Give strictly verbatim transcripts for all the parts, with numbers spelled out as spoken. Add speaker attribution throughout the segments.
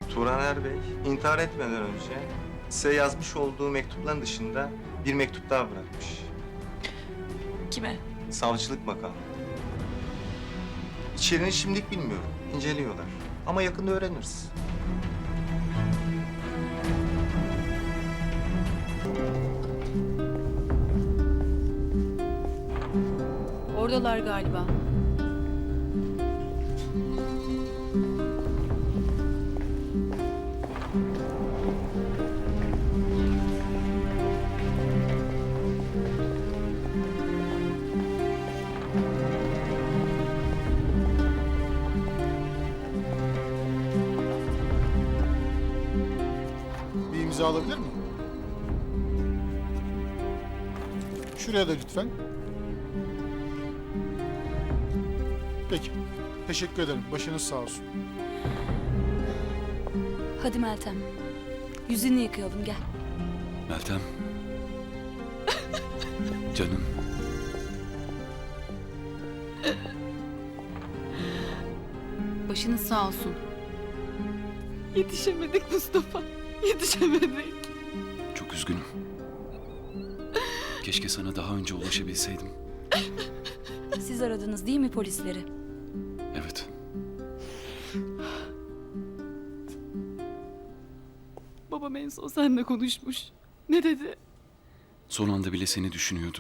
Speaker 1: Turan Erbey intihar etmeden önce size yazmış olduğu mektupların dışında bir mektup daha bırakmış.
Speaker 2: Kime?
Speaker 1: Savcılık makamı. İçeriğini şimdilik bilmiyorum. İnceliyorlar. Ama yakında öğreniriz.
Speaker 2: Oradalar galiba.
Speaker 3: Bir imza alabilir miyim? Şuraya da lütfen. Peki. Teşekkür ederim. Başınız sağ olsun.
Speaker 4: Hadi Meltem. Yüzünü yıkayalım gel.
Speaker 5: Meltem. Canım.
Speaker 4: Başınız sağ olsun.
Speaker 2: Yetişemedik Mustafa. Yetişemedik.
Speaker 5: Çok üzgünüm. Keşke sana daha önce ulaşabilseydim.
Speaker 4: Siz aradınız değil mi polisleri?
Speaker 5: Evet.
Speaker 2: Babam en son seninle konuşmuş. Ne dedi?
Speaker 5: Son anda bile seni düşünüyordu.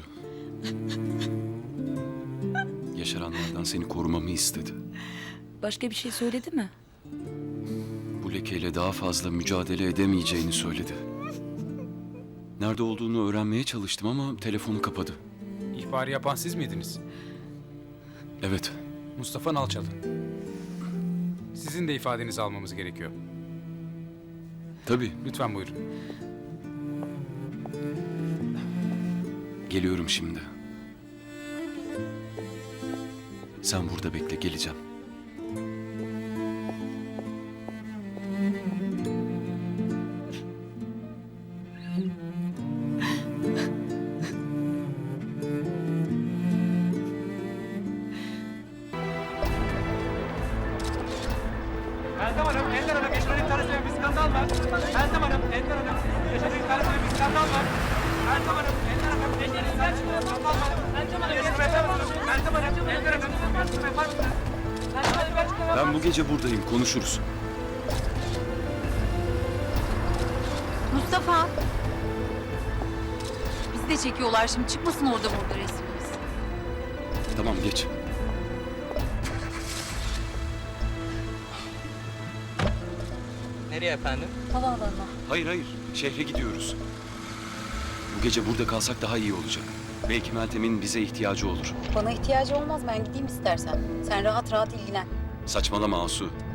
Speaker 5: Yaşaranlardan seni korumamı istedi.
Speaker 4: Başka bir şey söyledi mi?
Speaker 5: Bu lekeyle daha fazla mücadele edemeyeceğini söyledi. Nerede olduğunu öğrenmeye çalıştım ama telefonu kapadı.
Speaker 6: İhbarı yapan siz miydiniz?
Speaker 5: Evet.
Speaker 6: Mustafa Nalçalı. Sizin de ifadenizi almamız gerekiyor.
Speaker 5: Tabii.
Speaker 6: Lütfen buyurun.
Speaker 5: Geliyorum şimdi. Sen burada bekle, geleceğim.
Speaker 7: Meltem Hanım, Ender Hanım, yaşanan tanesiyle bir skandal var. Meltem Hanım, Ender Hanım, yaşanan tanesiyle bir skandal var. Meltem Hanım, Ender Hanım, eşlerinizden çıkan skandal var. Meltem Hanım, Meltem Hanım, Meltem Hanım, Ender Hanım, Meltem Hanım, yapar mısınız? Meltem Hanım, ben çıkamam.
Speaker 5: Ben bu gece buradayım, konuşuruz.
Speaker 4: Mustafa! Bizi de çekiyorlar şimdi. Çıkmasın orada orada resmimiz.
Speaker 5: Tamam, geç.
Speaker 7: Nereye efendim?
Speaker 4: Havaalanına.
Speaker 5: Hayır hayır, şehre gidiyoruz. Bu gece burada kalsak daha iyi olacak. Belki Meltem'in bize ihtiyacı olur.
Speaker 8: Bana ihtiyacı olmaz. Ben gideyim istersen. Sen rahat rahat ilgilen.
Speaker 5: Saçmalama Asu.